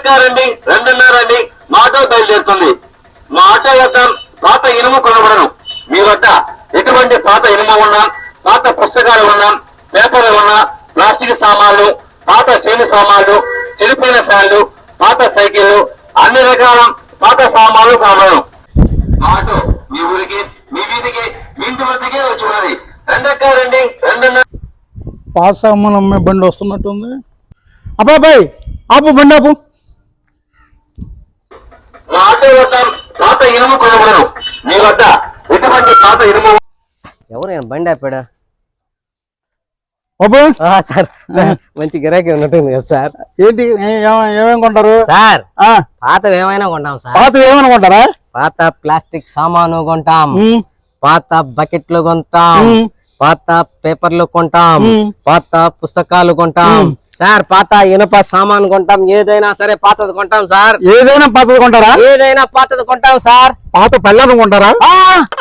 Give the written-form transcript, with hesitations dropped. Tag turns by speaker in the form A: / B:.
A: రెండెక్కారండి 2:30 అండి మా ఆటో బయలుదేరుతుంది. మా ఆటో వద్ద పాత ఇనుము కొనబడను. మీ వద్ద ఎటువంటి పాత ఇనుము ఉన్నా, పాత పుస్తకాలు ఉన్నా, పేపర్లు ఉన్నా, ప్లాస్టిక్ సామాన్లు, పాత స్టీల్ సామాన్లు, చెడిపోయిన ఫ్యాన్లు, పాత సైకిళ్లు, అన్ని రకాల పాత సామాన్లు కొనబడను. మా ఆటో మీ ఊరికి, మీ వీధికి, మీ ఇంటి వద్దకే వచ్చి ఉన్నది. రెండెక్కారండి 2:30.
B: పాత సామాన్ అమ్మే బండి వస్తున్నట్టుంది. అబ్బాయి ఆపు, బండి ఆపు.
A: మా ఆటో వద్ద పాత ఇనుము కొనబడను. మీ వద్ద ఎటువంటి పాత ఇనుము.
C: ఎవరు బండి ఆపాడా?
B: బాబు
C: సార్ మంచి గిరాకీ ఉన్నట్టుంది కదా సార్.
B: ఏంటి ఏమేమి కొంటారు
C: సార్? పాతవి ఏమైనా కొంటాం సార్.
B: పాతవి ఏమైనా కొంటారా?
C: పాత ప్లాస్టిక్ సామాను కొంటాం, పాత బకెట్లు కొంటాం, పాత పేపర్లు కొంటాం, పాత పుస్తకాలు కొంటాం సార్, పాత ఇనుప సామాను కొంటాం. ఏదైనా సరే పాతది కొంటాం సార్.
B: ఏదైనా పాతది కొంటారా?
C: ఏదైనా పాతది కొంటాం సార్.
B: పాత పెళ్ళను కొంటారా?